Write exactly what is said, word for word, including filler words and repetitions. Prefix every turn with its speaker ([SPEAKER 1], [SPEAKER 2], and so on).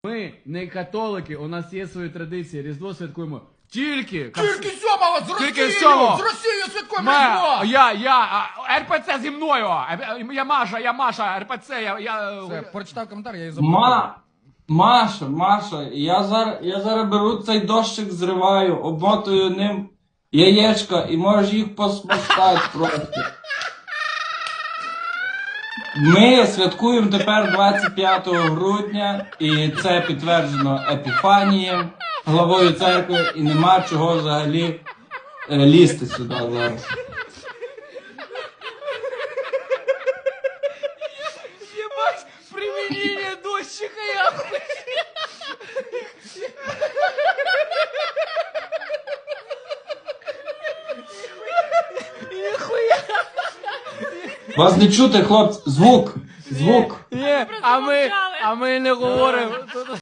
[SPEAKER 1] Ми не католики, у нас є свої традиції, Різдво святкуємо тільки...
[SPEAKER 2] Тільки сьомого з Росією!
[SPEAKER 1] Тільки сьомого!
[SPEAKER 2] З Росією святкуємо
[SPEAKER 1] Ме,
[SPEAKER 2] Різдво!
[SPEAKER 1] я, я, а, РПЦ зі мною! Я Маша, я Маша, РПЦ, я... я...
[SPEAKER 2] Все, прочитав коментар, я її заблокую.
[SPEAKER 3] Ма... Маша, Маша, я зараз, я зараз беру цей дощик, зриваю, обмотую ним яєчка і можеш їх посмоктати просто. Ми святкуємо тепер двадцять п'ятого грудня, і це підтверджено Епіфанієм, главою церкви, і нема чого взагалі е, лізти сюди зараз.
[SPEAKER 1] Ебать, применение дощика, я Нихуя!
[SPEAKER 3] Вас не чути, хлопці, звук, звук.
[SPEAKER 1] Ні, а ми, а ми не говоримо.